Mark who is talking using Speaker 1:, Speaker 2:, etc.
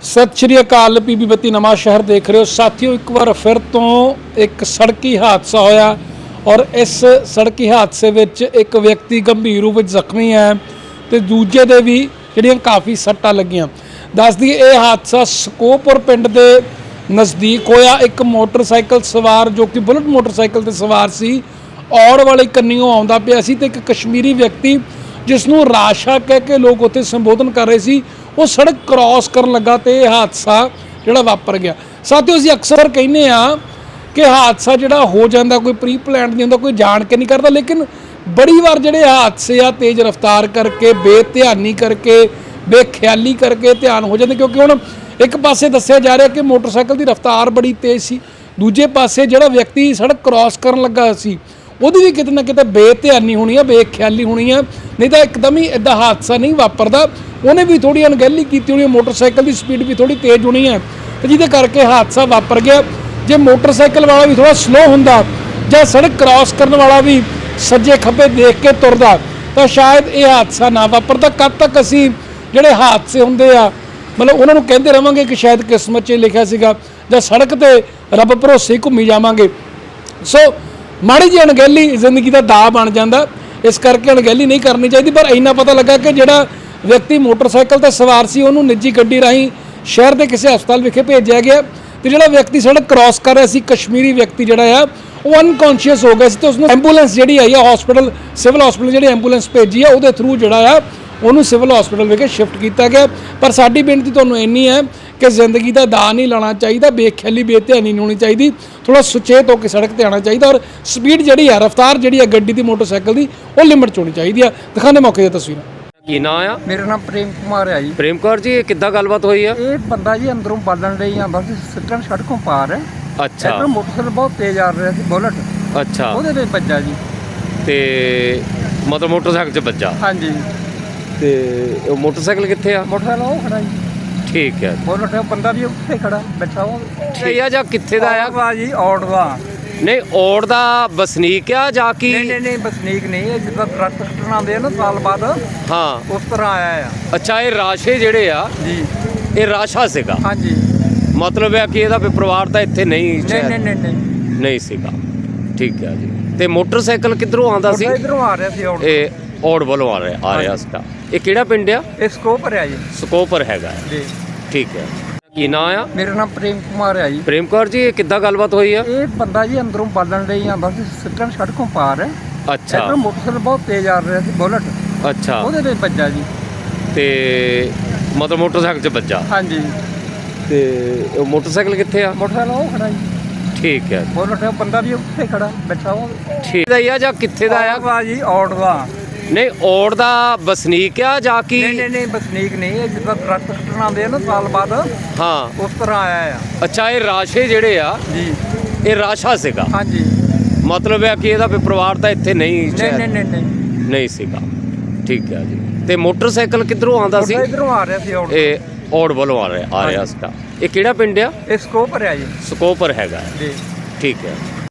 Speaker 1: सत श्री अकाल। पीबी 32 नवा शहर देख रहे हो साथियों। एक बार फिर तो एक सड़की हादसा होया और इस सड़की हादसे विच एक व्यक्ति गंभीर रूप में जख्मी है तो दूजे दे भी जिहड़ियां काफ़ी सट्टां लगियां। दस दी ये हादसा ਸਕੋਪੁਰ पिंड के नज़दीक होया। एक मोटरसाइकिल सवार जो कि बुलेट मोटरसाइकिल ते सवार सी औड़ वाले कन्नियों आउंदा पिया सी ते एक कश्मीरी व्यक्ति जिसनों राशा कह के लोग उत्थे संबोधन कर रहे सी वो सड़क क्रॉस कर लगा तो यह हादसा जिहड़ा वापर गया। साथियों असीं अक्सर कहने कि हादसा जिहड़ा हो जाता कोई प्री प्लान नहीं होंदा, कोई जान के नहीं करता, लेकिन बड़ी बार जिहड़े हादसे आ तेज़ रफ्तार करके बेध्यानी करके बेख्याली करके ध्यान हो जाते। क्योंकि हुण एक पासे दस्सिया जा रहा कि मोटरसाइकिल की रफ्तार बड़ी तेज़ सी, दूजे पासे जिहड़ा व्यक्ति सड़क क्रॉस करन लगा सी ਉਹਦੀ भी किते ना किते बेध्यानी होनी है, बेख्याली होनी है, नहीं तो एकदम ही इदा हादसा नहीं वापरदा। उन्हें भी थोड़ी अनगहली की होनी है, मोटरसाइकिल की स्पीड भी थोड़ी तेज़ होनी है तो जिहदे करके हादसा वापर गया। जे मोटरसाइकिल वाला भी थोड़ा स्लो हुंदा जां सड़क क्रॉस करने वाला भी सज्जे खब्बे देख के तुरदा तो शायद ये हादसा ना वापरदा। कद तक असीं जिहड़े हादसे हुंदे आ मतलब उन्हां नूं कहंदे रहांगे कि शायद किस्मत 'च लिखिया सीगा जां सड़क ते रब भरोसे घूमी जावांगे। सो माड़ी जी अणगहली जिंदगी का दाऽ बन जाता, इस करके अणगहली नहीं करनी चाहिए। पर इन्ना पता लगा कि जिहड़ा व्यक्ति मोटरसाइकिल ते सवार सी उहनूं निजी गड्डी राहीं शहर के किसी हस्पताल विखे भेजा गया तो जिहड़ा व्यक्ति सड़क क्रॉस कर रहा सी कश्मीरी व्यक्ति जिहड़ा आ वो अनकॉन्शियस हो गया सी तो उसनूं एंबूलेंस जिहड़ी आई है हॉस्पिटल सिविल हॉस्पिटल जिहड़ी एंबूलेंस भेजी है उहदे थ्रू जिहड़ा आ उहनूं सिविल हॉस्पिटल विखे शिफ्ट किया गया। पर साडी बेनती तुहानूं इन्नी है कि जिंदगी का दाऽ नहीं लाना चाहिए, बेख्याली बेध्यानी नहीं होनी चाहिए, थोड़ा सुचेत होकर सड़क पर आना चाहिए और स्पीड जी है रफ्तार जी है गड्डी की मोटरसाइकिल की वो लिमिट च होनी चाहिए। दिखाने मौके दी तस्वीर
Speaker 2: ਕੀ ਨਾਂ ਆ?
Speaker 3: मेरा नाम प्रेम कुमार है जी।
Speaker 2: ਪ੍ਰੇਮ ਕੌਰ ਜੀ, ਇਹ ਕਿੱਦਾਂ ਗੱਲਬਾਤ ਹੋਈ ਆ?
Speaker 3: ये बंदा जी अंदरों बालन ले आंदा सी सिੱਟਣ सड़कों पार है
Speaker 2: ਅੱਛਾ
Speaker 3: इधर मोटरसाइकिल बहुत तेज आ रहा सी बुलेट
Speaker 2: ਅੱਛਾ
Speaker 3: ਉਹਦੇ ਤੇ ਵੱਜਾ ਜੀ।
Speaker 2: ਤੇ ਮਤਲਬ ਮੋਟਰਸਾਈਕਲ 'ਚ ਵੱਜਾ
Speaker 3: हाँ जी
Speaker 2: ਤੇ ਉਹ ਮੋਟਰਸਾਈਕਲ ਕਿੱਥੇ ਆ?
Speaker 3: मोटरसाइकिल वो खड़ा जी,
Speaker 2: ਠੀਕ ਹੈ।
Speaker 3: बुलेट है बंदा भी उत्थे खड़ा बैठा वो
Speaker 2: ਠੀਕ ਆ ਜਾਂ ਕਿੱਥੇ ਦਾ ਆ?
Speaker 3: वा जी औड़
Speaker 2: ਨਹੀਂ ਔੜ ਦਾ ਵਸਨੀਕ ਆ ਜਾਂ ਕੀ?
Speaker 3: नहीं बसनीक नहीं है जिदा ट्रक कटना आंदे ना साल बाद
Speaker 2: ਹਾਂ
Speaker 3: उस तरह आया है
Speaker 2: ਅੱਛਾ ਇਹ ਰਾਸ਼ੇ ਜਿਹੜੇ ਆ
Speaker 3: जी।
Speaker 2: ਇਹ ਰਾਸ਼ਾ ਸੀਗਾ
Speaker 3: हाँ जी
Speaker 2: ਮਤਲਬ ਹੈ ਕਿ ਇਹਦਾ ਵੀ ਪਰਿਵਾਰ ਤਾਂ ਇੱਥੇ ਨਹੀਂ ਸ਼ਾਇਦ
Speaker 3: नहीं
Speaker 2: ਨਹੀਂ ਸੀਗਾ। ਠੀਕ ਹੈ ਜੀ। ਤੇ ਮੋਟਰਸਾਈਕਲ ਕਿੱਧਰੋਂ ਆਉਂਦਾ ਸੀ?
Speaker 3: इधरों आ रहा सी औड़
Speaker 2: ਇਹ ਔੜ ਵੱਲੋਂ ਆ ਰਿਹਾ ਸੀਗਾ। ਇਹ ਕਿਹੜਾ ਪਿੰਡ ਆ?
Speaker 3: इस स्कोप है जी
Speaker 2: ਸਕੋਪਰ ਹੈਗਾ।
Speaker 3: जी।
Speaker 2: ਠੀਕ ਹੈ। ਕੀ ਨਾਂ ਆ?
Speaker 3: मेरा नाम प्रेम कुमार है जी।
Speaker 2: ਪ੍ਰੇਮ ਕੌਰ ਜੀ, ਇਹ ਕਿੱਦਾਂ ਗੱਲਬਾਤ ਹੋਈ ਆ?
Speaker 3: ਇਹ ਬੰਦਾ ਜੀ ਅੰਦਰੋਂ ਬਾਲਣ ਲਈ ਆਂਦਾ ਸੀ ਸਿੱਟਣ ਸੜਕੋਂ ਪਾਰ ਹੈ
Speaker 2: ਅੱਛਾ
Speaker 3: ਇਧਰ ਮੋਟਰਸਾਈਕਲ ਬਹੁਤ ਤੇਜ਼ ਆ ਰਿਹਾ ਸੀ ਬੁਲਟ
Speaker 2: ਅੱਛਾ
Speaker 3: ਉਹਦੇ ਤੇ ਵੱਜਾ ਜੀ।
Speaker 2: ਤੇ ਮਤਲਬ ਮੋਟਰਸਾਈਕਲ 'ਚ ਵੱਜਾ
Speaker 3: ਹਾਂਜੀ
Speaker 2: ਤੇ ਉਹ ਮੋਟਰਸਾਈਕਲ ਕਿੱਥੇ ਆ?
Speaker 3: ਮੋਟਰਸਾਈਕਲ ਉਹ ਖੜਾ ਜੀ,
Speaker 2: ਠੀਕ ਹੈ।
Speaker 3: ਬੁਲਟ ਹੈ ਬੰਦਾ ਵੀ ਉੱਥੇ ਖੜਾ ਬੈਠਾ ਉਹ
Speaker 2: ਠੀਕ ਦਾ ਹੀ ਆ ਜਾਂ ਕਿੱਥੇ ਦਾ ਆ?
Speaker 3: ਵਾ ਜੀ ਔੜ ਦਾ
Speaker 2: ਨਹੀਂ ਔੜ ਦਾ ਵਸਨੀਕ ਆ ਜਾਂ ਕੀ?
Speaker 3: ਨਹੀਂ ਬਸਨੀਕ ਨਹੀਂ ਹੈ ਜਿੱਦਾਂ ਟਰੱਕ ਕੱਟਣ ਆਉਂਦੇ ਆ ਨਾ ਸਾਲ ਬਾਅਦ
Speaker 2: ਹਾਂ
Speaker 3: ਉਸ ਤਰ੍ਹਾਂ ਆਇਆ ਆ
Speaker 2: ਅੱਛਾ ਇਹ ਰਾਸ਼ੇ ਜਿਹੜੇ ਆ
Speaker 3: ਜੀ।
Speaker 2: ਇਹ ਰਾਸ਼ਾ ਸੀਗਾ
Speaker 3: ਹਾਂਜੀ
Speaker 2: ਮਤਲਬ ਹੈ ਕਿ ਇਹਦਾ ਵੀ ਪਰਿਵਾਰ ਤਾਂ ਇੱਥੇ ਨਹੀਂ ਸ਼ਾਇਦ
Speaker 3: ਨਹੀਂ
Speaker 2: ਨਹੀਂ ਸੀਗਾ। ਠੀਕ ਹੈ ਜੀ। ਤੇ ਮੋਟਰਸਾਈਕਲ ਕਿੱਧਰੋਂ ਆਉਂਦਾ ਸੀ?
Speaker 3: ਇਧਰੋਂ ਆ ਰਿਹਾ ਸੀ ਔੜ
Speaker 2: ਇਹ ਔੜ ਵੱਲੋਂ ਆ ਰਿਹਾ ਸੀਗਾ। ਇਹ ਕਿਹੜਾ ਪਿੰਡ ਆ?
Speaker 3: ਇਹ ਸਕੋਪ ਹੈ ਜੀ
Speaker 2: ਸਕੋਪਰ ਹੈਗਾ।
Speaker 3: ਜੀ।
Speaker 2: ਠੀਕ ਹੈ।